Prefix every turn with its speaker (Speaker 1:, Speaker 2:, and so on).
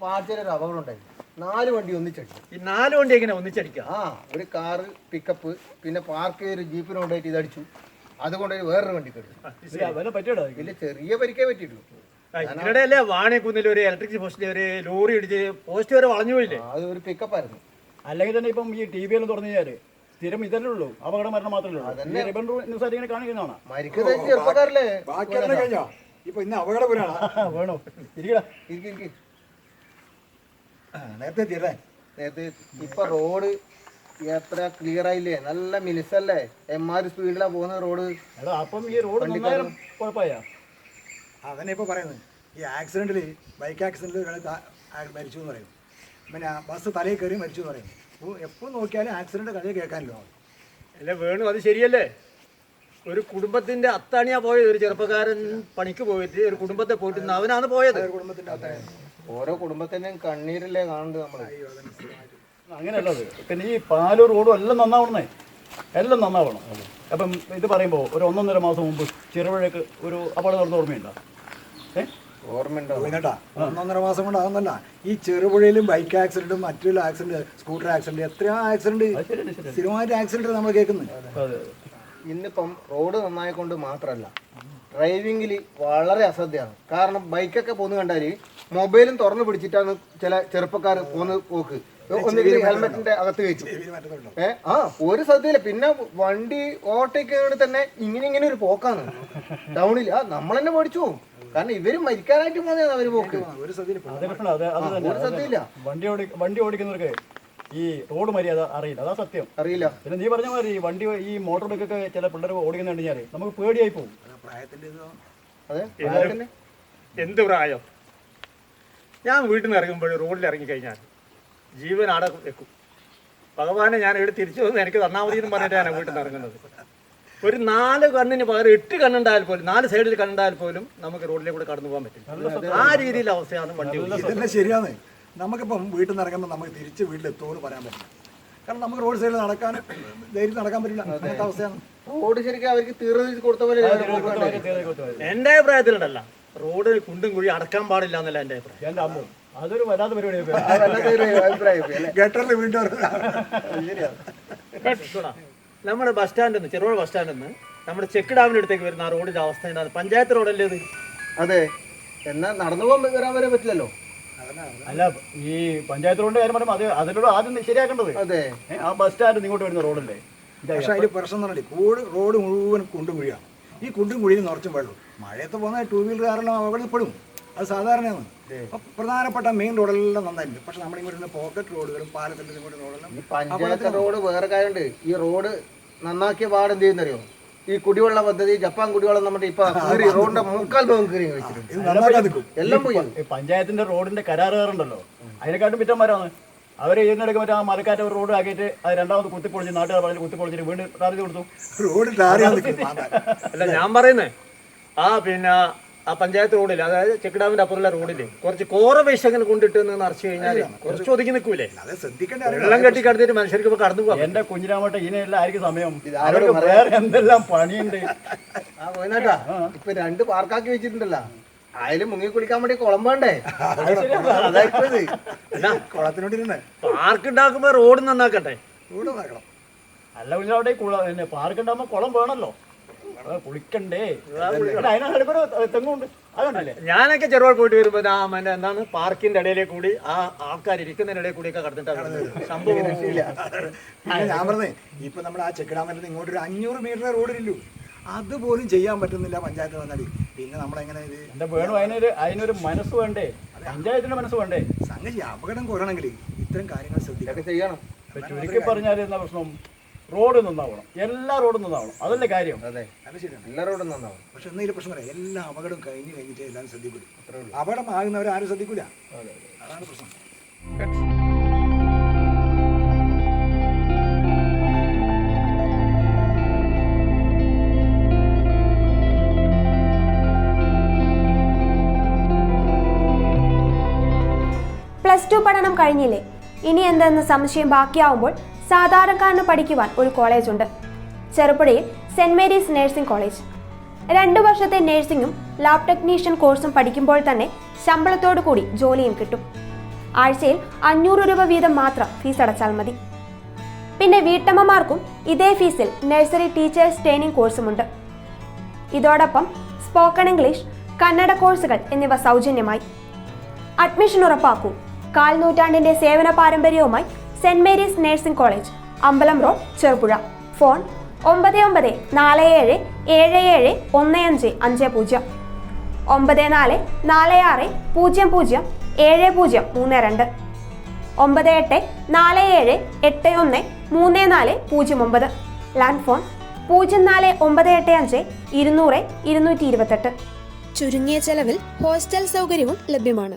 Speaker 1: പാർട്ടിയിലൊരു അപകടം ഉണ്ടായി. 4 വണ്ടി ഒന്നിച്ചടിച്ചു.
Speaker 2: ഈ 4 വണ്ടി എങ്ങനെ ഒന്നിച്ചടിക്കുക?
Speaker 1: ഒരു കാറ് പിക്കപ്പ് പിന്നെ പാർക്ക് ചെയ്തൊരു ജീപ്പിന് കൊണ്ടായിട്ട് ഇതടിച്ചു. അതുകൊണ്ട് വേറൊരു വണ്ടി കെട്ടു. ഇതിൽ ചെറിയ പരിക്കേ പറ്റിയിട്ടുള്ളൂ.
Speaker 2: ഇതിനിടയല്ലേ വാണിയക്കുന്നിൽ ഒരു ഇലക്ട്രിക് പോസ്റ്റിൽ ഒരു ലോറി ഇടിച്ച് പോസ്റ്റ് വരെ വളഞ്ഞു പോയില്ലേ?
Speaker 1: അത് ഒരു പിക്കപ്പായിരുന്നു.
Speaker 3: അല്ലെങ്കിൽ തന്നെ ഇപ്പം ഈ ടി വി എല്ലാം തുറന്നു കഴിഞ്ഞാല് സ്ഥിരം ഇതല്ലേ ഉള്ളൂ, അപകട മരണം മാത്രമേ ഉള്ളൂ. കാണിക്കുന്നതാണ്
Speaker 1: മരിക്കുന്നത് ചെറുപ്പക്കാരല്ലേ.
Speaker 4: ഇപ്പൊ ഇന്ന് അപകടപുരാണ്
Speaker 3: വേണോ?
Speaker 1: നേരത്തെ ഇപ്പൊ റോഡ് എത്ര ക്ലിയർ ആയില്ലേ, നല്ല മിനിസല്ലേ, എമ്മാര് സ്പീഡിലാ പോകുന്ന റോഡ്.
Speaker 3: അപ്പം ഈ റോഡ് കുഴപ്പമായ
Speaker 4: അതന്നെ ഇപ്പൊ പറയുന്നത്. ഈ ആക്സിഡന്റില് ബൈക്ക് ആക്സിഡന്റിൽ ഒരാൾ മരിച്ചു എന്ന് പറയും, പിന്നെ ബസ് തലയിൽ കയറി മരിച്ചു എന്ന് പറയും. എപ്പോൾ നോക്കിയാലും ആക്സിഡന്റ് കഥ കേൾക്കാനല്ലോ.
Speaker 2: അല്ല വേണു, അത് ശരിയല്ലേ? ഒരു കുടുംബത്തിന്റെ അത്താണിയാ പോയത്. ഒരു ചെറുപ്പക്കാരൻ പണിക്ക് പോയിട്ട് ഒരു കുടുംബത്തെ പോയിട്ട് അവനാണ് പോയത്.
Speaker 1: ഓരോ കുടുംബത്തിന്റെയും കണ്ണീരല്ലേ കാണുന്നത് നമ്മള്.
Speaker 3: അങ്ങനെയല്ലത്. പിന്നെ ഈ പാലും റോഡും എല്ലാം നന്നാവണേ, എല്ലാം നന്നാവണം. അപ്പം ഇത് പറയുമ്പോൾ ഒരു 1.5 മാസം മുമ്പ് ചെറുപുഴയ്ക്ക് ഒരു അപകടം നടന്ന ഓർമ്മയുണ്ടോ?
Speaker 1: ഓർമ്മയുണ്ടോ?
Speaker 4: 1.5 മാസം കൊണ്ടാകുന്നല്ല. ഈ ചെറുപുഴയിലും ബൈക്ക് ആക്സിഡന്റും മറ്റുള്ള ആക്സിഡന്റ്, സ്കൂട്ടർ ആക്സിഡന്റ്, എത്രയോ ആക്സിഡന്റ്, സ്ഥിരമായിട്ട് ആക്സിഡന്റ് നമ്മൾ കേൾക്കുന്നത്.
Speaker 1: ഇന്നിപ്പം റോഡ് നന്നായിക്കൊണ്ട് മാത്രമല്ല, ഡ്രൈവിങ്ങിൽ വളരെ അശ്രദ്ധയാണ്. കാരണം ബൈക്കൊക്കെ പോന്ന് കണ്ടാൽ മൊബൈലും തുറന്നു പിടിച്ചിട്ടാണ് ചില ചെറുപ്പക്കാർ പോന്ന് പോക്ക്. ഒന്നുകിൽ ഹെൽമെറ്റിന്റെ അകത്ത് വെച്ചു. ഒരു ശ്രദ്ധയില്ല. പിന്നെ വണ്ടി ഓവർടേക്ക് തന്നെ ഇങ്ങനെ ഒരു പോക്കാണ് ടൗണിൽ. നമ്മൾ തന്നെ പഠിച്ചു പോകും. കാരണം ഇവര് മരിക്കാനായിട്ട് പോകുന്നതാണ് അവര് പോക്ക്.
Speaker 4: ഒരു
Speaker 1: ശ്രദ്ധയില്ല.
Speaker 3: വണ്ടി ഓടിക്കുന്നവർക്ക് ഈ റോഡ് മര്യാദ അറിയില്ല, അതാ സത്യം.
Speaker 1: അറിയില്ല.
Speaker 3: പിന്നെ നീ പറഞ്ഞ മാതിരി വണ്ടി ഈ മോട്ടോർ ബൈക്കൊക്കെ ചില പിള്ളേർ ഓടിക്കുന്ന കഴിഞ്ഞാല് നമുക്ക് പേടിയായി പോകും.
Speaker 2: എന്ത് പ്രായം? ഞാൻ വീട്ടിൽ നിന്ന് ഇറങ്ങുമ്പോൾ റോഡിൽ ഇറങ്ങിക്കഴിഞ്ഞാൽ ജീവൻ ആടെ വെക്കും. ഭഗവാനെ ഞാൻ ഇവിടെ തിരിച്ചു വന്ന് എനിക്ക് തന്നാൽ മതി എന്ന് പറഞ്ഞിട്ടാണ് വീട്ടിൽ നിന്ന് ഇറങ്ങുന്നത്. ഒരു 4 കണ്ണിന് പകരം 8 കണ്ണുണ്ടായാൽ പോലും, 4 സൈഡിൽ കണ്ണുണ്ടായാൽ പോലും നമുക്ക് റോഡിലേക്ക് കടന്നു പോകാൻ പറ്റും. ആ രീതിയിലെ അവസ്ഥയാണ് വണ്ടി.
Speaker 4: ഇതെല്ലാം ശരിയാണ്. നമുക്കിപ്പം വീട്ടിൽ നിന്ന് ഇറങ്ങുമ്പോൾ നമുക്ക് തിരിച്ച് വീട്ടിലെത്തുമെന്ന് പറയാൻ പറ്റില്ല. കാരണം നമുക്ക് റോഡ് സൈഡിൽ നടക്കാൻ ധൈര്യം നടക്കാൻ പറ്റില്ല. അങ്ങനത്തെ അവസ്ഥയാണ്.
Speaker 1: റോഡ് ശരിക്കും അവർക്ക് തീർന്നു കൊടുത്ത പോലെ.
Speaker 2: എന്റെ അഭിപ്രായത്തിലുണ്ടല്ല, റോഡ് കുണ്ടും കുഴി അടക്കാൻ പാടില്ല എന്നല്ല എന്റെ അഭിപ്രായം.
Speaker 3: അതൊരു വല്ലാത്ത പരിപാടിയാണ്.
Speaker 2: നമ്മുടെ ബസ് സ്റ്റാൻഡിൽ നിന്ന്, ചെറുപുഴ ബസ് സ്റ്റാൻഡിൽ നിന്ന് നമ്മുടെ ചെക്ക് ഡാമിന്റെ അടുത്തേക്ക് വരുന്ന ആ റോഡിന്റെ അവസ്ഥ എന്താണ്? പഞ്ചായത്ത് റോഡല്ലേ ഇത്?
Speaker 1: അതെ. എന്നാ നടന്നു പോകാൻ വരാൻ വരെ പറ്റില്ലല്ലോ.
Speaker 3: അല്ല, ഈ പഞ്ചായത്ത് റോഡിന്റെ കാര്യം പറയുമ്പോൾ അതിലൂടെ ആദ്യം ശരിയാക്കേണ്ടത്.
Speaker 1: അതെ,
Speaker 3: ആ ബസ് സ്റ്റാൻഡ് ഇങ്ങോട്ട് വരുന്ന റോഡല്ലേ.
Speaker 4: പക്ഷെ അതിൽ പ്രശ്നം എന്ന് പറഞ്ഞാൽ റോഡ് മുഴുവൻ കുണ്ടും കുഴിയാണ്. ഈ കുണ്ടും കുഴിയിൽ നിറച്ചും വെള്ളം. മഴയത്ത് പോകുന്ന 2 വീലർ കാറെല്ലാം അപകടപ്പെടും. അത് സാധാരണയാണ്. പ്രധാനപ്പെട്ട മെയിൻ റോഡെല്ലാം നന്നായിട്ടുണ്ട്. പക്ഷെ നമ്മുടെ ഇങ്ങോട്ട് പോക്കറ്റ് റോഡുകളും പാലത്തിന്റെ ഇങ്ങോട്ട് റോഡെല്ലാം.
Speaker 1: ഈ പഞ്ചായത്ത് റോഡ് വേറെ കാര്യമുണ്ട്. ഈ റോഡ് നന്നാക്കിയ പാട് എന്ത് ചെയ്യുന്നറിയോ? ഈ കുടിവെള്ള പദ്ധതി, ജപ്പാൻ കുടിവെള്ളം നമ്മുടെ ഇപ്പൊ റോഡിന്റെ 3/4 ഭാഗം കയറി വെച്ചിട്ടുണ്ട്. എല്ലാം പോയി.
Speaker 3: പഞ്ചായത്തിന്റെ റോഡിന്റെ കരാറുകാരുണ്ടല്ലോ, അതിനെക്കാട്ടും പിറ്റന്മാരാണ് അവര്. ഇതിനിടയ്ക്ക് മറ്റേ ആ മലക്കാറ്റ് റോഡ് ആക്കിയിട്ട് അത് 2ാമത് കുത്തിപ്പൊളിച്ച് നാട്ടുകാർ പറഞ്ഞ് കുത്തിപ്പൊളിച്ചിട്ട് വീണ്ടും ടാർ കൊടുത്തു.
Speaker 2: അല്ല, ഞാൻ പറയുന്നേ പിന്നെ ആ പഞ്ചായത്ത് റോഡിൽ, അതായത് ചെക്ക് ഡാമിന്റെ അപ്പുറമുള്ള റോഡില് കുറച്ച് കോറ വേസ്റ്റ് അങ്ങനെ കൊണ്ടിട്ട് നിറച്ചു കഴിഞ്ഞാൽ കുറച്ച് ഒതുക്കി നിൽക്കൂലേ? വെള്ളം കെട്ടി കടന്നിട്ട് മനുഷ്യർക്ക് ഇപ്പൊ കടന്നു പോകാം.
Speaker 3: എന്റെ കുഞ്ഞിരാമട്ടെ, ഇതിനെല്ലാം ആയിരിക്കും സമയം. വേറെ എന്തെല്ലാം പണിയുണ്ട്.
Speaker 1: ഇപ്പൊ 2 പാർക്കാക്കി വെച്ചിട്ടുണ്ടല്ലോ. അതില് മുങ്ങി കുളിക്കാൻ വേണ്ടി കുളം വേണ്ടേ?
Speaker 4: കുളത്തിനോട്ടിരുന്നേ
Speaker 2: പാർക്ക് ഉണ്ടാക്കുമ്പോ റോഡ് നന്നാക്കട്ടെ.
Speaker 3: അല്ല കുഞ്ഞിരാമട്ടെ, പാർക്ക് ഉണ്ടാകുമ്പോ കുളം വേണമല്ലോ, കുളിക്കണ്ടേ? തെങ്ങുണ്ട്, അതുകൊണ്ടല്ലേ.
Speaker 2: ഞാനൊക്കെ ചെറുപാട് പോയിട്ട് വരുമ്പോ എന്താണ് പാർക്കിന്റെ ഇടയിലെ കൂടി ആ ആൾക്കാർ ഇരിക്കുന്നതിന്റെ ഇടയിൽ കൂടി ഒക്കെ കടന്നിട്ടാണ് സംഭവം.
Speaker 4: ഞാൻ പറഞ്ഞേ, ഇപ്പൊ നമ്മുടെ ആ ചെക്ക് ഡാമിൽ ഇങ്ങോട്ട് ഒരു 500 മീറ്റർ റോഡിലില്ലു. അതുപോലും ചെയ്യാൻ പറ്റുന്നില്ല പഞ്ചായത്ത് വന്നാല്. പിന്നെ നമ്മളെങ്ങനെ ഇത്
Speaker 3: എന്താ വേണം? അതിനൊരു മനസ്സ് വേണ്ടേ? പഞ്ചായത്തിന്റെ മനസ്സ് വേണ്ടേ?
Speaker 4: സംഗതി അപകടം കുറയണമെങ്കിൽ ഇത്തരം കാര്യങ്ങൾ ശ്രദ്ധിക്കാൻ ചെയ്യണം.
Speaker 3: ചുരുക്കി പറഞ്ഞാൽ എന്താ പ്രശ്നം? റോഡ് നന്നാവണം, എല്ലാ റോഡും നന്നാവണം, അതല്ലേ കാര്യം.
Speaker 1: അതെ, എല്ലാ റോഡും നന്നാവണം.
Speaker 4: പക്ഷെ എന്തെങ്കിലും പ്രശ്നം പറയാം, എല്ലാ അപകടവും കഴിഞ്ഞിട്ട് എല്ലാം ശ്രദ്ധിക്കൂല. അപകടം ആകുന്നവർ ആരും ശ്രദ്ധിക്കൂല. അതാണ് പ്രശ്നം.
Speaker 5: +2 പഠനം കഴിഞ്ഞില്ലേ? ഇനി എന്തെന്ന് സംശയം ബാക്കിയാവുമ്പോൾ സാധാരണക്കാരന് പഠിക്കുവാൻ ഒരു കോളേജുണ്ട്. ചെറുപുഴയിൽ സെന്റ് മേരീസ് നഴ്സിംഗ് കോളേജ്. 2 വർഷത്തെ നഴ്സിംഗും ലാബ് ടെക്നീഷ്യൻ കോഴ്സും പഠിക്കുമ്പോൾ തന്നെ ശമ്പളത്തോടു കൂടി ജോലിയും കിട്ടും. ആഴ്ചയിൽ 500 രൂപ വീതം മാത്രം ഫീസ് അടച്ചാൽ മതി. പിന്നെ വീട്ടമ്മമാർക്കും ഇതേ ഫീസിൽ നഴ്സറി ടീച്ചേഴ്സ് ട്രെയിനിങ് കോഴ്സുമുണ്ട്. ഇതോടൊപ്പം സ്പോക്കൺ ഇംഗ്ലീഷ്, കന്നഡ കോഴ്സുകൾ എന്നിവ സൗജന്യമായി. അഡ്മിഷൻ ഉറപ്പാക്കൂ. 1/4 നൂറ്റാണ്ടിന്റെ സേവന പാരമ്പര്യവുമായി സെന്റ് മേരീസ് നഴ്സിംഗ് കോളേജ്, അമ്പലം റോഡ്, ചെറുപുഴ. ഫോൺ 9947771550, 9446007032, 9847813409. Land phone 04985 200 228.
Speaker 6: ചുരുങ്ങിയ ചെലവിൽ ഹോസ്റ്റൽ സൗകര്യവും ലഭ്യമാണ്.